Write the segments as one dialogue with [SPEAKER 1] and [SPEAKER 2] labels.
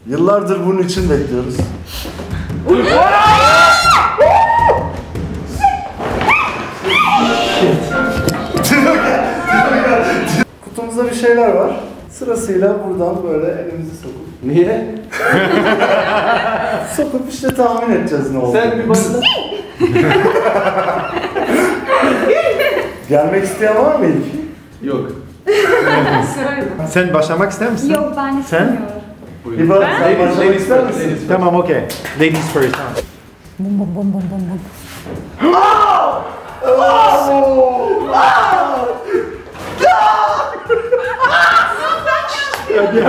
[SPEAKER 1] Yıllardır bunun için bekliyoruz. Kutumuzda bir şeyler var. Sırasıyla buradan böyle elimizi sokup...
[SPEAKER 2] Niye?
[SPEAKER 1] Sokup işte tahmin edeceğiz ne olduğunu.
[SPEAKER 2] Sen bir başla.
[SPEAKER 1] Gelmek isteyen var mı ilk?
[SPEAKER 2] Yok.
[SPEAKER 3] Sen başlamak ister misin?
[SPEAKER 4] Yok ben istemiyorum.
[SPEAKER 1] İba sen başlamak ister misin?
[SPEAKER 3] Tamam, okey. Ladies first.
[SPEAKER 4] Bum bum bum bum bum bum.
[SPEAKER 3] Hadi.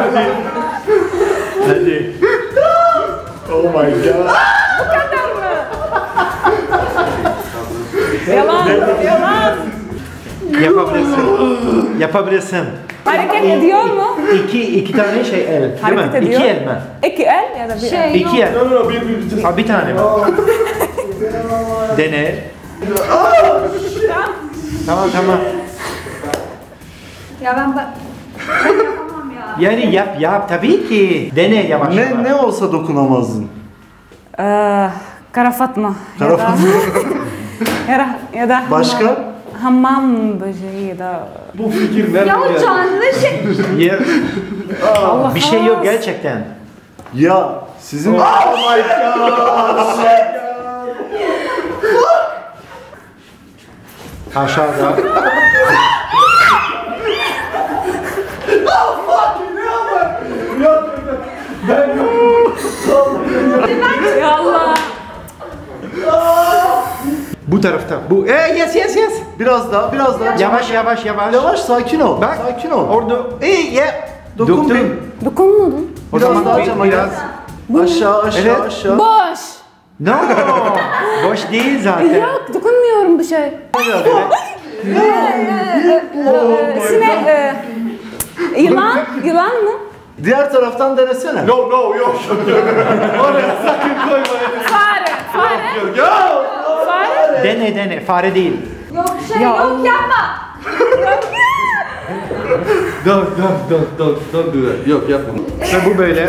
[SPEAKER 3] Hadi. Oh my god.
[SPEAKER 5] Yalan, yalan.
[SPEAKER 3] Yapabilirsin. Yapabilirsin.
[SPEAKER 5] Hareket ediyor mu?
[SPEAKER 3] İki tane şey el. Değil
[SPEAKER 5] Hareket
[SPEAKER 3] mi?
[SPEAKER 5] ediyor.
[SPEAKER 3] İki el mi?
[SPEAKER 5] İki el ya da bir el.
[SPEAKER 3] İki el.
[SPEAKER 2] No, bir.
[SPEAKER 3] Ha, bir tane mi? Dene. Tamam.
[SPEAKER 4] Ya ben yapamam ya.
[SPEAKER 3] Yani yap tabii ki. Dene yavaş yavaş.
[SPEAKER 1] Ne olsa dokunamazdın.
[SPEAKER 5] Kara Fatma.
[SPEAKER 1] Kara Fatma.
[SPEAKER 5] Ya da
[SPEAKER 1] Başka?
[SPEAKER 5] Hamam böceği ya da...
[SPEAKER 2] Bu fikir nereden
[SPEAKER 4] Ya o
[SPEAKER 2] geldi?
[SPEAKER 4] canlı şey.
[SPEAKER 3] Bir şey yok gerçekten.
[SPEAKER 1] Ya sizin...
[SPEAKER 2] Oh my god!
[SPEAKER 3] Aşağıda.
[SPEAKER 5] Ya Allah.
[SPEAKER 3] Bu tarafta. Bu. Yes.
[SPEAKER 1] Biraz daha.
[SPEAKER 3] Yavaş.
[SPEAKER 1] Yavaş, sakin ol.
[SPEAKER 3] Bak.
[SPEAKER 1] Sakin ol.
[SPEAKER 3] Orada.
[SPEAKER 1] Dokun bir.
[SPEAKER 5] Dokunmadın.
[SPEAKER 3] O
[SPEAKER 1] Biraz
[SPEAKER 3] zaman
[SPEAKER 1] daha cama
[SPEAKER 3] biraz.
[SPEAKER 1] Aşağı.
[SPEAKER 3] Evet.
[SPEAKER 5] Boş.
[SPEAKER 3] No. Boş değil zaten.
[SPEAKER 5] Yok dokunmuyorum bir şey. Yılan mı?
[SPEAKER 1] Diğer taraftan denesene.
[SPEAKER 2] No, yok. Oraya sakın koymayın.
[SPEAKER 5] Fare.
[SPEAKER 2] Yok.
[SPEAKER 5] Fare.
[SPEAKER 3] Dene. Fare değil.
[SPEAKER 4] Yok şey
[SPEAKER 5] Ya
[SPEAKER 4] yok
[SPEAKER 5] Allah.
[SPEAKER 4] yapma.
[SPEAKER 2] Don't do that. Yok yapma.
[SPEAKER 3] Ve bu böyle.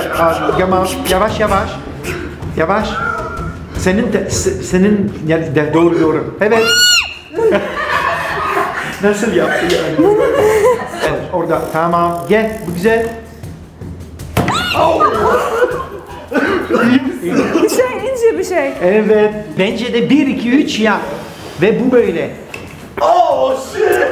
[SPEAKER 3] Yavaş. Senin yani doğru. Evet. Nasıl yaptı yani? Evet, orada. Tamam. Gel. Bu güzel.
[SPEAKER 5] Bir şey ince bir şey.
[SPEAKER 3] Evet. Bence de 1, 2, 3 yap. Ve bu böyle.
[SPEAKER 1] Oh shit!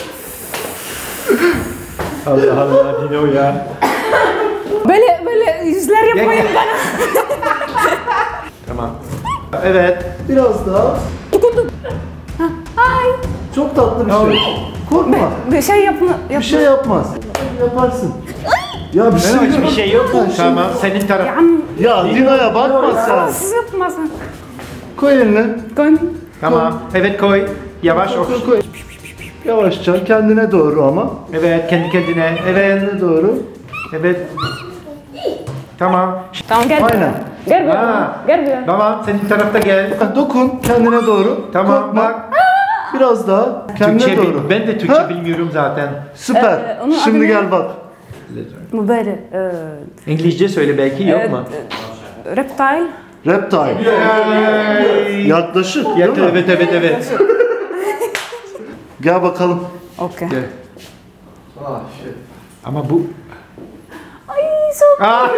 [SPEAKER 3] Allah Dino ya.
[SPEAKER 5] Böyle yüzler yapmayın bana.
[SPEAKER 3] Tamam. Evet.
[SPEAKER 1] Biraz daha.
[SPEAKER 5] Dokundum. Ay.
[SPEAKER 1] Çok tatlı bir şey. Korkma.
[SPEAKER 5] Bir şey yapma.
[SPEAKER 1] Bir şey yapmaz. Yaparsın. Ya bir şey yok.
[SPEAKER 3] Hiçbir şey yok. Tamam. Senin taraf.
[SPEAKER 1] Ya Dina'ya bakma sen.
[SPEAKER 5] Siz yapmasın.
[SPEAKER 1] Koy elini.
[SPEAKER 5] Koy.
[SPEAKER 3] Tamam. Evet koy. Yavaş oku.
[SPEAKER 1] Koy. Yavaşça kendine doğru ama.
[SPEAKER 3] Evet kendi kendine. Evet.
[SPEAKER 1] Kendine doğru.
[SPEAKER 3] Evet. Tamam.
[SPEAKER 5] Tamam gel.
[SPEAKER 1] Aynen.
[SPEAKER 5] Gel buraya.
[SPEAKER 3] Ha.
[SPEAKER 5] Gel buraya.
[SPEAKER 3] Tamam. Senin tarafta gel.
[SPEAKER 1] Dokun kendine doğru.
[SPEAKER 3] Tamam
[SPEAKER 1] Korkma.
[SPEAKER 3] bak.
[SPEAKER 1] Biraz daha kendine
[SPEAKER 3] Türkçe
[SPEAKER 1] doğru.
[SPEAKER 3] ben de Türkçe
[SPEAKER 1] Ha?
[SPEAKER 3] bilmiyorum zaten.
[SPEAKER 1] Süper.
[SPEAKER 5] Onun adı
[SPEAKER 1] Şimdi
[SPEAKER 5] ne?
[SPEAKER 1] gel bak.
[SPEAKER 5] Bu böyle.
[SPEAKER 3] İngilizce söyle belki yok mu?
[SPEAKER 5] Reptile.
[SPEAKER 1] Reptile. Yaklaşık değil mi?
[SPEAKER 3] Evet.
[SPEAKER 1] Gel bakalım.
[SPEAKER 5] Okey.
[SPEAKER 3] Gel.
[SPEAKER 2] Ah shit.
[SPEAKER 3] Ama bu...
[SPEAKER 5] Ay soğuk.
[SPEAKER 3] Ah!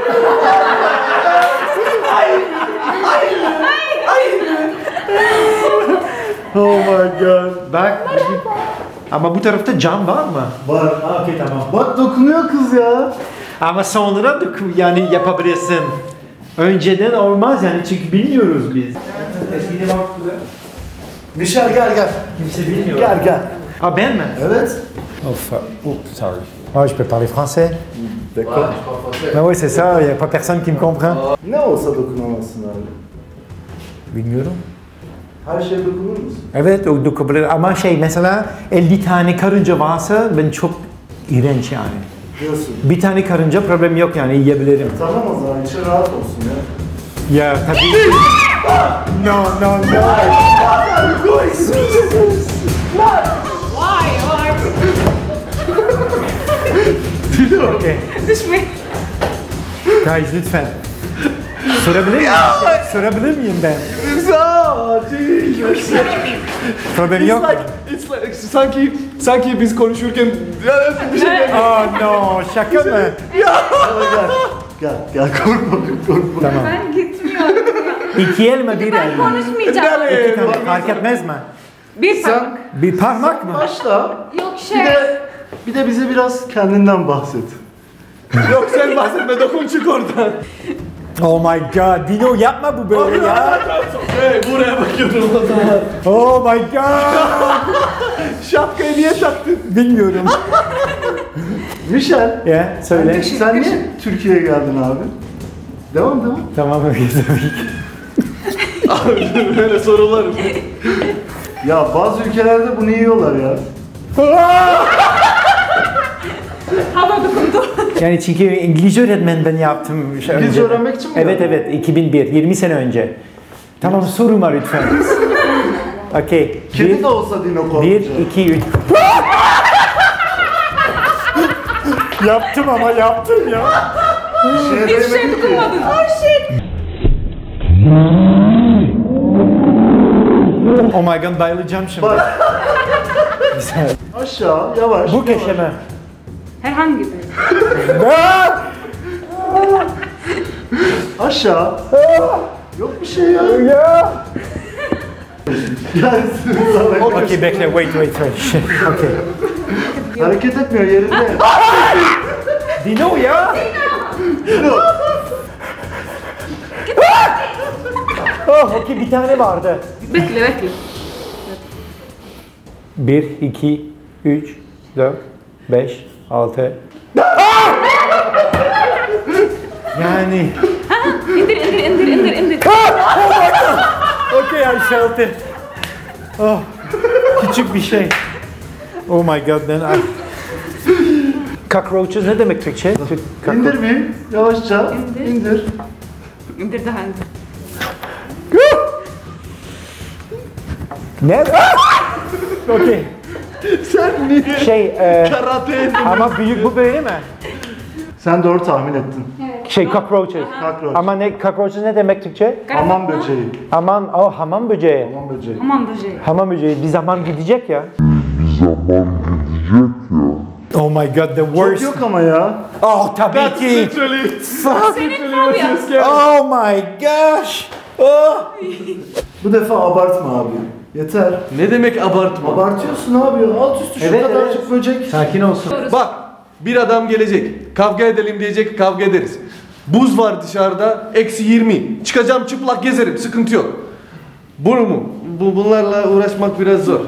[SPEAKER 1] Oh my god.
[SPEAKER 3] Bak. Ama bu tarafta cam var mı?
[SPEAKER 1] Var.
[SPEAKER 3] Okey tamam.
[SPEAKER 1] Bak dokunuyor kız ya.
[SPEAKER 3] Ama sonra da yani yapabilirsin. Önceden olmaz yani çünkü bilmiyoruz biz. Eskiden baktı.
[SPEAKER 1] Michel gel.
[SPEAKER 3] Kimse bilmiyor.
[SPEAKER 1] Gel.
[SPEAKER 3] Ha ben mi?
[SPEAKER 1] Evet.
[SPEAKER 3] Sorry. Oh, je peux parler français.
[SPEAKER 1] D'accord.
[SPEAKER 3] Ben oui, c'est ça, il n'y a pas personne qui me comprend.
[SPEAKER 1] Ne olsa dokunamazsın abi.
[SPEAKER 3] Bilmiyorum.
[SPEAKER 1] Her şeye dokunur musun?
[SPEAKER 3] Evet, o dokunabilir ama mesela 50 tane karınca varsa ben çok iğrenç yani.
[SPEAKER 1] Diyorsun.
[SPEAKER 3] Bir tane karınca problem yok yani yiyebilirim.
[SPEAKER 1] Tamam o zaman için rahat olsun ya.
[SPEAKER 3] Ya tabii ki. No. Okay.
[SPEAKER 5] Düşme.
[SPEAKER 3] Guys lütfen. Sorabilir miyim? Sorabilir miyim ben? Problem yok mu?
[SPEAKER 2] Sanki biz konuşurken bir şey
[SPEAKER 3] Oh no, şaka mı?
[SPEAKER 1] Gel korkma.
[SPEAKER 3] Tamam.
[SPEAKER 4] Ben gitmiyorum.
[SPEAKER 3] İki el mi bir el
[SPEAKER 4] Ben
[SPEAKER 3] mi?
[SPEAKER 4] konuşmayacağım.
[SPEAKER 3] İki tane fark etmez mi?
[SPEAKER 4] Bir parmak.
[SPEAKER 3] Bir parmak mı?
[SPEAKER 1] Başla.
[SPEAKER 4] Yok
[SPEAKER 1] Bir de bize biraz kendinden bahset.
[SPEAKER 2] Yok sen bahsetme, dokun çık oradan.
[SPEAKER 3] Oh my god, Dino yapma bu böyle ya.
[SPEAKER 2] Hey, buraya bakıyorum o zaman.
[SPEAKER 3] Oh my god.
[SPEAKER 2] Şapkayı niye taktın?
[SPEAKER 3] Bilmiyorum.
[SPEAKER 1] Michel.
[SPEAKER 3] Ya söyle.
[SPEAKER 1] Sen niye Türkiye'ye geldin abi? Devam.
[SPEAKER 3] Tamam öyle tabii ki.
[SPEAKER 2] Abi böyle sorular.
[SPEAKER 1] Ya bazı ülkelerde bunu yiyorlar ya.
[SPEAKER 4] Hava dokundu.
[SPEAKER 3] Yani çünkü İngilizce öğretmen ben yaptım.
[SPEAKER 1] İngilizce öğrenmek için mi
[SPEAKER 3] Evet
[SPEAKER 1] yaptın?
[SPEAKER 3] evet 2001, 20 sene önce. Tamam soruma lütfen. Okey.
[SPEAKER 1] Kedi de olsa Dino korkacak.
[SPEAKER 3] 1, 2, 3. Yaptım ama yaptım ya.
[SPEAKER 4] Hiçbir şey dokunmadın. Oh shit.
[SPEAKER 3] Oh my god bayılacağım şimdi.
[SPEAKER 1] Bak.
[SPEAKER 3] Güzel.
[SPEAKER 1] Aşağı yavaş.
[SPEAKER 3] Bu köşe mi?
[SPEAKER 4] Herhangi bir.
[SPEAKER 1] Aşağı. Yok bir şey ya.
[SPEAKER 3] Ya.
[SPEAKER 1] Gelsin sana.
[SPEAKER 3] Okey bekle wait. Okey.
[SPEAKER 1] Hareket etmiyor yerinde.
[SPEAKER 3] Dino ya.
[SPEAKER 1] Dino.
[SPEAKER 3] Oh okey bir tane vardı.
[SPEAKER 4] Bekle.
[SPEAKER 3] 1, 2, 3, 4, 5, 6. Yani.
[SPEAKER 4] İndir.
[SPEAKER 3] Okay, I felt it. Oh, küçük bir şey. Oh my god, then I... Cockroaches ne demek Türkçe?
[SPEAKER 1] İndir bir. Yavaşça. İndir.
[SPEAKER 4] İndir daha indir.
[SPEAKER 3] Ne? Okay.
[SPEAKER 1] Sen niye
[SPEAKER 2] Karate.
[SPEAKER 3] Ama büyük bu böyle mi?
[SPEAKER 1] Sen doğru tahmin ettin.
[SPEAKER 3] Cockroaches.
[SPEAKER 1] Cockroach.
[SPEAKER 3] Ama ne, cockroaches ne demek Türkçe?
[SPEAKER 1] Hamam böceği.
[SPEAKER 3] Hamam böceği.
[SPEAKER 1] Hamam böceği.
[SPEAKER 4] Aman böceği.
[SPEAKER 3] Hamam böceği bir zaman gidecek ya. Oh my god, the
[SPEAKER 1] Çok
[SPEAKER 3] worst.
[SPEAKER 1] yok ama ya.
[SPEAKER 3] Oh tabii ki.
[SPEAKER 2] Literally.
[SPEAKER 3] Fuck.
[SPEAKER 2] Literally.
[SPEAKER 3] Oh my gosh. Oh.
[SPEAKER 1] Bu defa abartma abi. Yeter.
[SPEAKER 2] Ne demek abartma?
[SPEAKER 1] Abartıyorsun abi ya. Alt üstü şu
[SPEAKER 3] Evet,
[SPEAKER 1] kadarcık
[SPEAKER 3] evet.
[SPEAKER 1] böcek.
[SPEAKER 3] Sakin olsun.
[SPEAKER 2] Bak, bir adam gelecek. Kavga edelim diyecek, kavga ederiz. Buz var dışarıda, -20. Çıkacağım çıplak gezerim, sıkıntı yok. Bunu mu? Bunlarla uğraşmak biraz zor.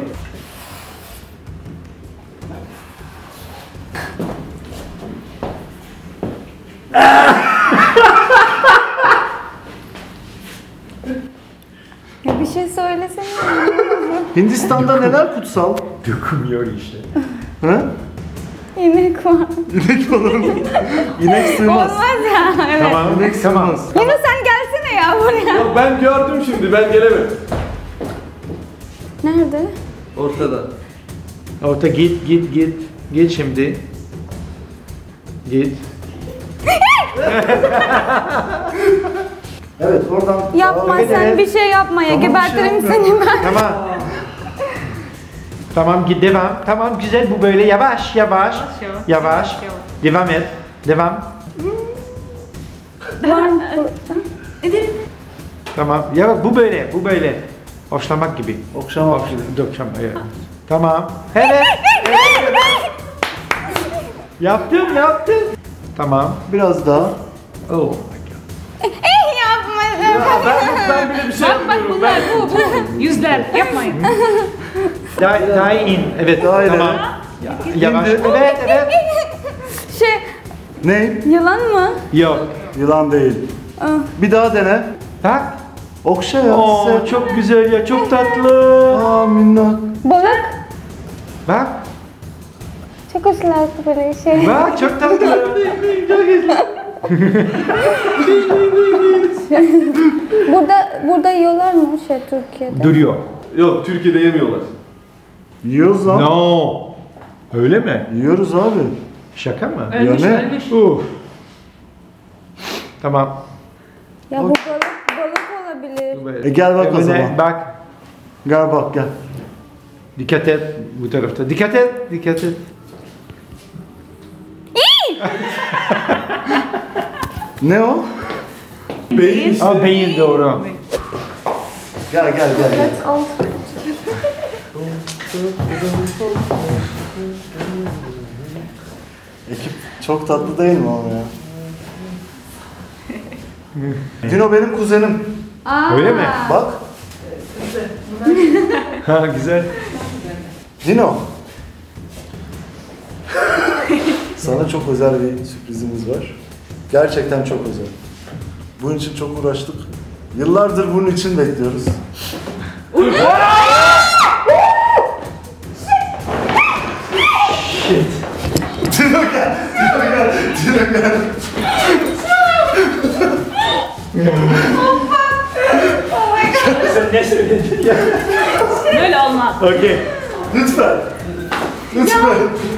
[SPEAKER 5] Ya bir şey söylesene.
[SPEAKER 1] Hindistan'da neler kutsal?
[SPEAKER 3] Dokunmuyor işte.
[SPEAKER 1] He?
[SPEAKER 5] İnek var.
[SPEAKER 1] İnek falan. İnek sığmaz.
[SPEAKER 5] Olmaz ya. Evet.
[SPEAKER 3] Tamam,
[SPEAKER 1] İnek sığmaz.
[SPEAKER 5] Yunus sen gelsene ya buraya.
[SPEAKER 2] Yok ben gördüm şimdi, ben gelemem.
[SPEAKER 5] Nerede?
[SPEAKER 2] Ortada.
[SPEAKER 3] Orta git. Git şimdi. Git.
[SPEAKER 1] Evet oradan.
[SPEAKER 5] Yapma
[SPEAKER 1] Evet,
[SPEAKER 5] sen
[SPEAKER 1] evet.
[SPEAKER 5] bir şey yapma ya.
[SPEAKER 1] Tamam, bir
[SPEAKER 5] Gebertirim
[SPEAKER 1] şey
[SPEAKER 5] seni ben.
[SPEAKER 3] Tamam. Tamam git devam. Tamam güzel bu böyle yavaş. Yavaş. Devam et. Devam. Tamam. Ya bak bu böyle. Hoşlamak gibi.
[SPEAKER 1] Okşamak.
[SPEAKER 3] Dokşam. Evet. Tamam. Evet. Yaptım. Tamam.
[SPEAKER 1] Biraz daha.
[SPEAKER 3] Oh.
[SPEAKER 5] Yapma.
[SPEAKER 2] Ben bile bir şey
[SPEAKER 4] Bak
[SPEAKER 2] yapmıyorum.
[SPEAKER 4] bunlar bu. Yüzler yapmayın.
[SPEAKER 3] Daha in. Evet.
[SPEAKER 1] Daha ileri.
[SPEAKER 3] Tamam. Yavaş.
[SPEAKER 1] İndir.
[SPEAKER 3] Evet.
[SPEAKER 5] Şey
[SPEAKER 1] Ne?
[SPEAKER 5] yılan mı?
[SPEAKER 3] Yok.
[SPEAKER 1] Yılan değil. Bir daha dene.
[SPEAKER 3] Bak.
[SPEAKER 1] Okşa ya.
[SPEAKER 3] Oo
[SPEAKER 1] sev.
[SPEAKER 3] çok güzel ya. Çok tatlı.
[SPEAKER 1] Aa minnak.
[SPEAKER 5] Balık.
[SPEAKER 3] Bak.
[SPEAKER 5] Çok hoşlar böyle şey.
[SPEAKER 3] Bak çok tatlı.
[SPEAKER 5] Burada yiyorlar mı şey Türkiye'de?
[SPEAKER 3] Duruyor.
[SPEAKER 2] Yok, Türkiye'de yemiyorlar.
[SPEAKER 1] Yiyoruz lan.
[SPEAKER 3] No. Öyle mi?
[SPEAKER 1] Yiyoruz abi.
[SPEAKER 3] Şaka mı?
[SPEAKER 4] Ölmüş.
[SPEAKER 1] ne?
[SPEAKER 3] Uf. Tamam.
[SPEAKER 5] Ya bu balık olabilir.
[SPEAKER 1] Gel bak o
[SPEAKER 3] Emine,
[SPEAKER 1] zaman.
[SPEAKER 3] bak.
[SPEAKER 1] Gel bak gel.
[SPEAKER 3] Dikkat et bu tarafta. Dikkat et. Dikkat et.
[SPEAKER 1] Ne o? Beyin işte.
[SPEAKER 3] Aa, beyin doğru.
[SPEAKER 1] Gel gel gel. gel. Ekip çok tatlı değil mi ama ya? Dino benim kuzenim.
[SPEAKER 3] Öyle mi?
[SPEAKER 1] Bak.
[SPEAKER 3] Ha güzel.
[SPEAKER 1] Dino. Sana çok özel bir sürprizimiz var. Gerçekten çok özel. Bunun için çok uğraştık. Yıllardır bunun için bekliyoruz. Dino gel. Dino gel. Dino gel.
[SPEAKER 3] Sen ne söyledin ya?
[SPEAKER 4] Böyle olmaz.
[SPEAKER 3] Okey.
[SPEAKER 1] Lütfen. Lütfen.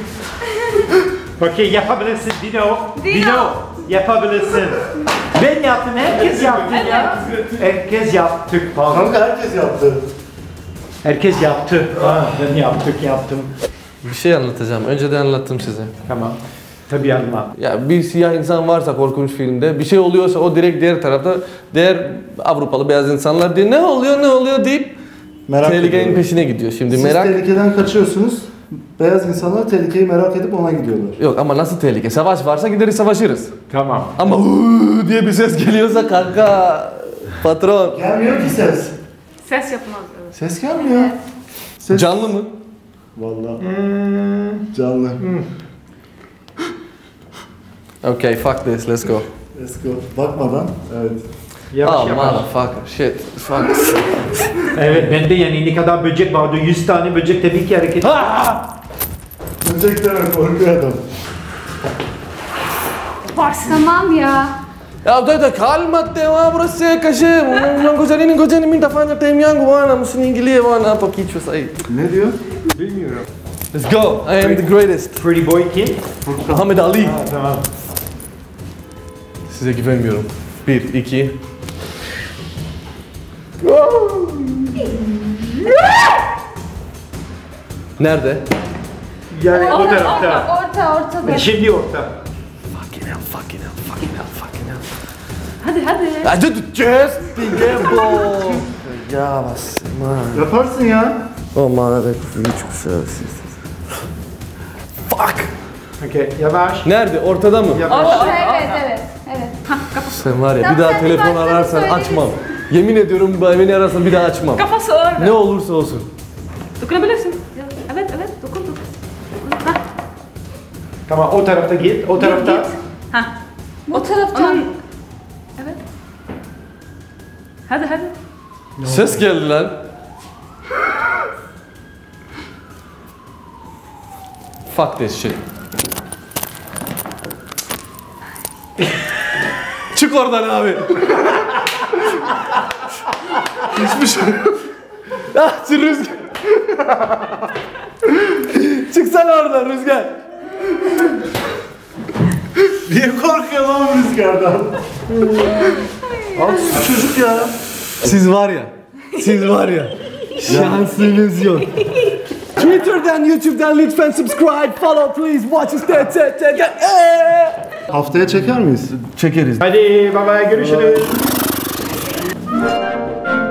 [SPEAKER 3] Okey yapabilirsin Dino. Dino yapabilirsin. Ben yaptım, herkes yaptı ya. Herkes yaptık. Pardon.
[SPEAKER 1] Kanka herkes yaptı.
[SPEAKER 3] Herkes yaptı. Ha, ben yaptım.
[SPEAKER 2] Bir şey anlatacağım. Önceden anlattım size.
[SPEAKER 3] Tamam. Tabii anlat.
[SPEAKER 2] Ya bir siyah insan varsa korkunç filmde bir şey oluyorsa o direkt diğer tarafta diğer Avrupalı beyaz insanlar diye ne oluyor deyip
[SPEAKER 1] Merak
[SPEAKER 2] tehlikenin
[SPEAKER 1] ediyorum.
[SPEAKER 2] peşine gidiyor. Şimdi
[SPEAKER 1] Siz
[SPEAKER 2] merak
[SPEAKER 1] tehlikeden kaçıyorsunuz. Beyaz insanlar tehlikeyi merak edip ona gidiyorlar.
[SPEAKER 2] yok ama nasıl tehlike? Savaş varsa gideriz savaşırız.
[SPEAKER 3] Tamam.
[SPEAKER 2] Ama diye bir ses geliyorsa kanka patron.
[SPEAKER 1] Gelmiyor ki ses.
[SPEAKER 4] Ses yapmaz. Evet.
[SPEAKER 1] Ses gelmiyor. Ses...
[SPEAKER 2] Canlı mı?
[SPEAKER 1] Vallahi. Canlı.
[SPEAKER 2] Okay, fuck this, let's go.
[SPEAKER 1] Let's go. Bakmadan. Evet.
[SPEAKER 3] Yavaş
[SPEAKER 2] Oh
[SPEAKER 3] yavaş.
[SPEAKER 2] motherfucker, shit, fuck.
[SPEAKER 3] Evet, bende yani ne kadar böcek vardı, 100 tane böcek tabii ki hareket.
[SPEAKER 1] Böcekten korkuyor adam.
[SPEAKER 4] Varsın.
[SPEAKER 5] Tamam ya.
[SPEAKER 2] Ya udah kalma tema burası kaşı. Yang gojanin minta fanya tem yang bana mısın İngilizce bana apa kiço say.
[SPEAKER 1] Ne diyor?
[SPEAKER 3] Bilmiyorum.
[SPEAKER 2] Let's go. I am the greatest.
[SPEAKER 3] Pretty boy kim?
[SPEAKER 2] Muhammed Ali.
[SPEAKER 3] Ha, tamam.
[SPEAKER 2] Size güvenmiyorum. 1, 2. Nerede?
[SPEAKER 3] Yani o tarafta.
[SPEAKER 5] Ortada.
[SPEAKER 3] Şimdi orta.
[SPEAKER 2] Fucking hell.
[SPEAKER 4] Hadi.
[SPEAKER 2] Just gamble. Ya basma.
[SPEAKER 1] Yaparsın ya.
[SPEAKER 2] O manada küçük servisiz. Fuck.
[SPEAKER 3] Okey, yavaş.
[SPEAKER 2] Nerede? Ortada mı?
[SPEAKER 3] Yavaş.
[SPEAKER 5] Evet.
[SPEAKER 2] Sen var ya
[SPEAKER 5] Tamam,
[SPEAKER 2] bir daha
[SPEAKER 5] sen bir
[SPEAKER 2] telefon
[SPEAKER 5] baştan
[SPEAKER 2] ararsan
[SPEAKER 5] söyle.
[SPEAKER 2] açmam. Yemin ediyorum beni ararsan bir daha açmam.
[SPEAKER 4] Kafası orada.
[SPEAKER 2] Ne olursa olsun.
[SPEAKER 4] Dokunabilirsin. Evet, dokun. Hah.
[SPEAKER 3] Tamam, o tarafta git, o tarafta.
[SPEAKER 4] Git. Hah.
[SPEAKER 5] Bu taraftan.
[SPEAKER 4] Onun... Evet. Hadi.
[SPEAKER 2] Ses geldi lan. Fuck this shit. Çık oradan abi. Hiçbir şey yok. Ah şu Rüzgar. Çıksana oradan Rüzgar.
[SPEAKER 1] Niye korkuyor lan rüzgardan? Al şu çocuk ya.
[SPEAKER 2] Siz var ya. Şansınız yok. Twitter'dan, YouTube'dan lütfen subscribe, follow please, watch us.
[SPEAKER 1] Haftaya çeker miyiz?
[SPEAKER 2] Çekeriz.
[SPEAKER 3] Hadi, bye bye, görüşürüz.